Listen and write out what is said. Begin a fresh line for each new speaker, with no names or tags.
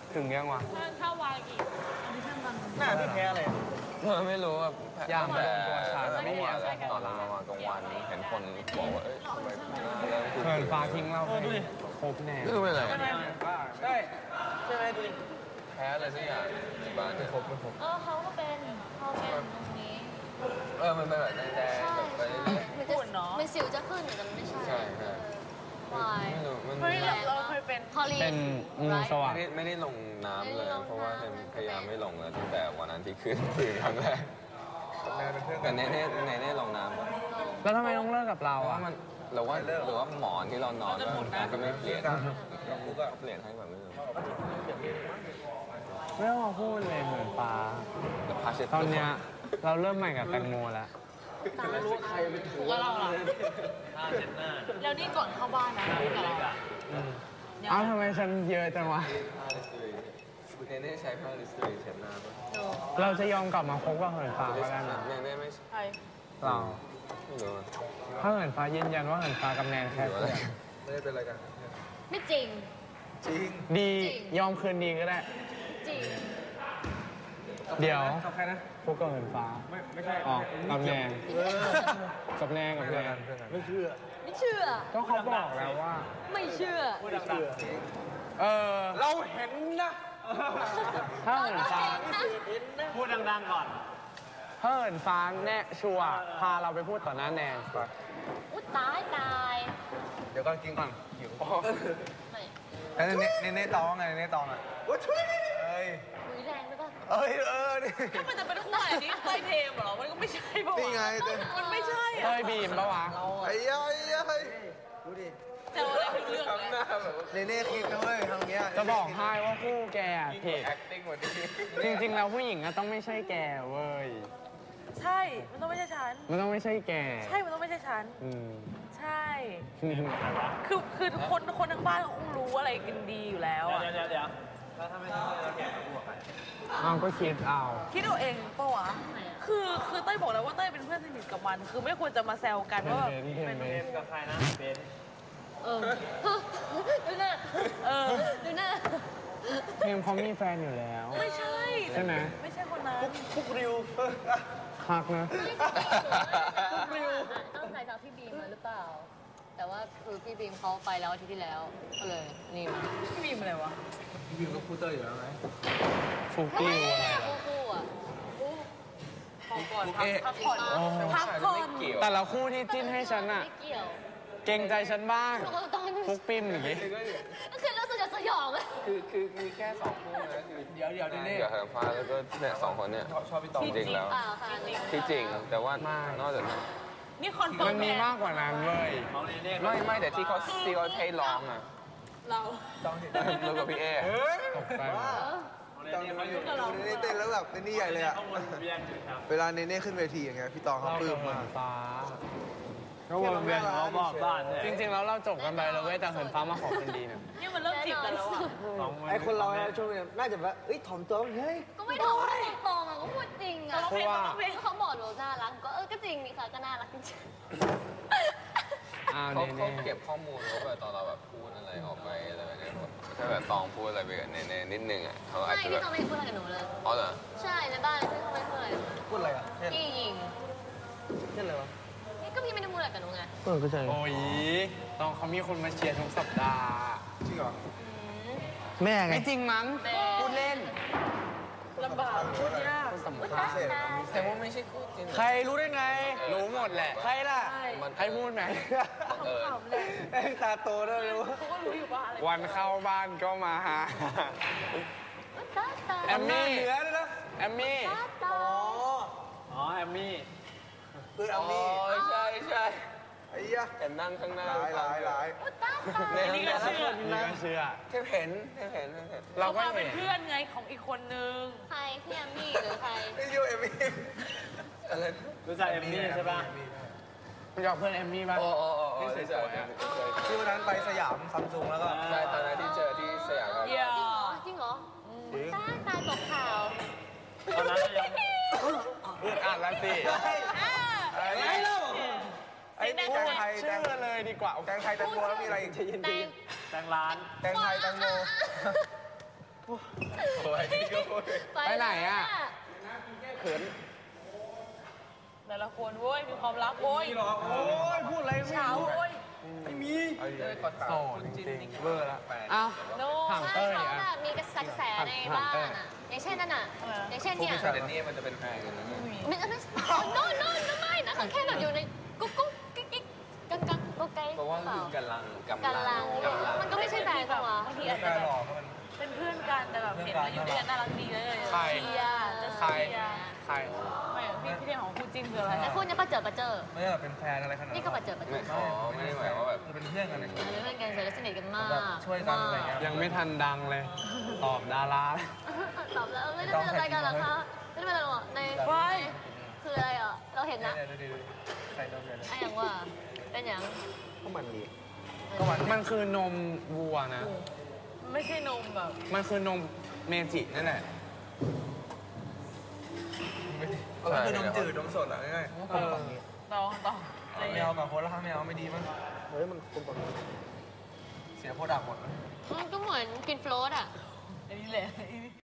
ถึงยังวะ
ถ้าวางอีก
หน้าพี่แพ้อะไร
ไม่รู้อ่ะยามมาโดนตัวชาไม่มีอะไร
ตอนเรามากลางวันเห็นคนบอกว่าทำไม
เหินฟ้าทิ้งเราไปครบแน่
ไม่รู้เป็นไร
ใช่ไหมดูดิ
แพ้อะไรสักอย่างที่บ้านเนี่ย
ครบไม่ครบ
เขาก็เป็นตรงนี้
มันเป็นแบบแดงๆแบบไปเรื่อย
ๆฝุ่นเนาะมันสิวจะขึ้นแต่มันไม่ใช่
ใช่ใช่
ไม่
รู้มัน
เราเคยเป็น
เป็นสว่าง
ไม่ได้ลงน้ำเลยเพราะว่าพยายามไม่ลงเลยตั้งแต่วันนั้นที่ขึ้นครั้งแรกแต่เน่ลงน้ำ
แล้วทำไมต้องเลิกกับเราอ่ะ
หรือว่าหมอนที่เรานอนก็ไม่เปลี่ยนก็เปลี่ยนให้แบบไม่รู้
ไม่ต้องมาพูดเลยเหมือนฟ้าตอนเนี้ยเราเริ่มใหม่กับแตงโมแล้ว
ไม่รู้ใครไปถู
ว่าเราแล้วนี่ก่อนเข้าบ้านนะกับเรา
เอ้าทำไมฉันเยอะจังวะ
เน่ใช้ผ้าลิสตรีเช็ดหน้า
เราจะยอมกลับมาคบกับเหินฟ้าก็ได้นะ
เน่ไม่
ใช่
เรา
ไม่รู้
ถ้าเหินฟ้ายืนยันว่าเหินฟ้ากับแนนแค่เพื่อน
ไม่ได้เป็นอะไรกัน
ไม่จริง
ดียอมคืนดีก็ได้
จริง
เดี๋ยว
กับใครนะ
พวกกับเหินฟ้า
ไม่ใช่
อ๋อกับแนนกับแนน
ไม่เชื่อ
ก็เขาบอกแล้วว่า
ไม่เชื่อ
เราเห็นนะ
ถ้าเหินฟ้า
พูดดังๆก่อน
ถ้าเหินฟ้าแน่ชัวร์พาเราไปพูดต่อหน้าแนน
อุ๊ยตาย
เดี๋ยวก่อนกินก่อนหิวแล้วเน่ตองไงเน่ตองอ่ะโอ้ช่วย
คุยแรงไปป่ะ
นี่
ถ้ามันจะเป็นคู่อะไรนี่เต้ยเทมเหรอมันก็ไม่ใช่ป่ะ
นี่ไง
มันไม่ใช่
เต้ยบีมปะวะ
ไอ้ดูดิ
เจ้าอะไรเรื่อง
เลยเน่คิดนะเว้ยทางเนี้ย
จะบอกให้ว่าคู่แกผิดจริงๆแล้วผู้หญิงต้องไม่ใช่แกเว้ย
ใช่มันต้องไม่ใช่ฉัน
มันต้องไม่ใช่แก
ใช่มันต้องไม่ใช่ฉันใช่คือคนทั้งบ้านคงรู้อะไรกันดีอยู่แล้ว
เดี๋ยวแล้วถ้าไม่ใช่เราแกจะพูดกับใคร
ก็คิดเอา
เองปะวะคือเต้ยบอกแล้วว่าเต้ยเป็นเพื่อนสนิทกับมันคือไม่ควรจะมาแซวกันว่า
เป็นเบนกับใครนะเบน
ดูหน้า
เทมเขามีแฟนอยู่แล้ว
ไม่ใช่
ใช่ไหม
ไม่ใช่คนนั้น
ฟุกริว
คักนะ
ฟุกริวต้องใส่ทางพี่บีมมาหรือเปล่าแต่ว่าคือพี่บีมเขาไปแล้วอาทิตย์ที่แล้วก็เลยนี่มาพี่บีมอะไรวะ
พี่บีมก็พูดเตอร์อยู่แล้วไหม
ฟุกริวอะไร
คู่อ่ะพักผ่อน
แต่ละคู่ที่จิ้นให้ฉันอะเก่งใจฉันบ้างฟุกปิ้มอย่างงี้
คือรู้สึกจะสยอง
คือมีแค่2คู่นะคือ
เดี๋ยวนี่
เหินฟ้าแล้วก็เนี่ย2คนเนี่ย
ชอบพี่ตอง
จริงแล้วที่จริงแต่ว่านอกจากนั้น
นี่คอนเฟิร์ม
มันมีมากกว่านั้นเลย
ไม่แต่ที่เขาเทร้องอะ
เรา
ต้องเห็น
แล้วกับพี่เอ
ตกใจ
ตองอยู่เน่เต้นแล้วแบบเน่ใหญ่เลยอะเวลาเน่ขึ้นเวทีอย่างเงี้ยพี่ตองเขาปลื้มมาก
ก็วนเวียนเขาบอกบ้านจริงๆแล้วเราจบกันไปแล้วเว้ยแต่เหินฟ้ามาขอคนดีเนี่ย
นี่มันเริ่มจีบกันแล้วอ่ะ
ไอคนเราช่วงนี้น่าจะแบบถ่อมตัวเฮ้ย
ก็ไม่ถ่อมตรงอ่ะก็พูดจริงอ่ะเพราะว่าเขาบอกหนูน่ารักก็จริงนี่ค่ะก็น่ารักจริง
เขาเก็บข้อมูลว่าแบบตอนเราแบบพูดอะไรออกไปอะไรแบบนี้ถ้าแบบตองพูดอะไรไปกับเนนิดนึงอ่ะเขาอาจจะ
ไม่พี่ตองไม่พูดอะไรกับหนูเลย
อ๋อเหรอ
ใช่ในบ้านพี่เขาไม่พูดอะไร
พูดอะไรอ่ะ
พี่ยิง
เช่นอะไรวะ
ก็พี่ไม่ได้พูดอะไรกับหนูไง
ก็ใช่โอ้ยตองเขามีคนมาเชียร์ทุกสัปดาห์
จริงเหรอ
แม่ไงไม่จริงมั้งพูดเล่น
ลำบากพูดยาก
สำคัญ
แต่ว่าไม่ใช่คู่จริง
ใครรู้ได้ไงรู้หมดแหละใครล่ะใครพูดไหน
ตาโตด้วยรู้
เขาก็รู้อยู่ว่าอะไร
วันเข้าบ้านก็มาหาแอมมี่
เหนือเลยนะ
แอมมี่
อ๋อแอมมี่คือแอมมี่
ใช่
ไอ้ยะ
แต่นั่งข้างหน้า
หลาย
นี่ก็เชื่
อ
เห็น
เราก็เป็นเพื่อนไงของอีกคนนึงใครพี่แอมมี่หรือใคร
ไม่ยูแอมมี่อะไรรู้จักแอมมี่ใช่ป่ะ
คุณยอมเพื่อนแอมมี่ป่ะ
ที่สวย
ๆที่วันนั้นไปสยามซัมซุงแล้วก็
ใช่ตอนนั้นที่เจอที่สยาม
จริงเหรอตายตกข่าว
ตอนนั้นยัง
อ่านแล้วสิ
ไม่เล่าไอ้แตงไทย
ชื่อเลยดีกว่า
แตงไทยแตงโมแล้วมีอะไรอีก
แตงร้าน
แตงไทยแตงโม
ไหนอ่ะ
เขิน
แต่ละคนโว้ยมีความรักโว้ย
โอ้ยพูดอะไรไม่
เช้า
รู้
โว้ย
ไม่มี
โสดจริงๆ
เบอร์ละ
อ้าว
โน
ถาม
ถ้า
เต้ย
เขา
อ่ะ
แบบมีกระแสในบ้านอ่ะอย่างเช่นนั่นอ่ะอย่างเช่นเนี่ย
แต่นี่มันจะเป็นแฟนกันนะเนี่ย
ไม่โน่นไม่นะเขาแค่แบบอยู่ในกุ๊กกิ๊กกิ๊กกังกุ๊กไก่
เพราะว่าคือกำลัง
มันก็ไม่ใช่แฟนเขาวะ
บางทีอาจจะแบบเป็นเพื่อนกันแต่แบบเห็นแล้วอยู่ด้วยกันน่ารักดีเลย
ใคร
เชียร์จะ
ใคร
เชียร์
ใคร
ไม่พี่เรื่องของคู่จิ้นคืออะไร
แต่คุณจะประเจอ
ไม่ได้แบบเป็นแฟนอะไรขนาด
นี่ก็ประเจอ
ไม่อ๋อไม่ได้หมายว่าแบบ
เป็นเพื่อนกันเลย
เพื่อนกันเฉยแล้วสนิทกันมาก
ช่วยกันอะไรเงี้ย
ยังไม่ทันดังเลย ตอบดารา
ตอบแล้วไม่ได้เป็นอะไรกันหรอคะไม่ได้เป็นอะไรหรอในคืออะไรอ่ะเราเห็นนะ
ใส่นมเลย
ไอ้อย่างว่าเป็นอย่าง
ก็มันดี
มันคือนมวัวนะ
ไม่ใช่นมแบบ
มันคือนมเมจินั่นแหละ
ก็คือนมจืดนมสดอ่ะง่าย
ต่อ
ไม่เอากับโคล่าไม่เอาไม่ดีมั้งเฮ้ยมันคนแบบเสียโปรดักต์หมด
มันก็เหมือนกินโฟลตอ่ะ
อันนี้แหละ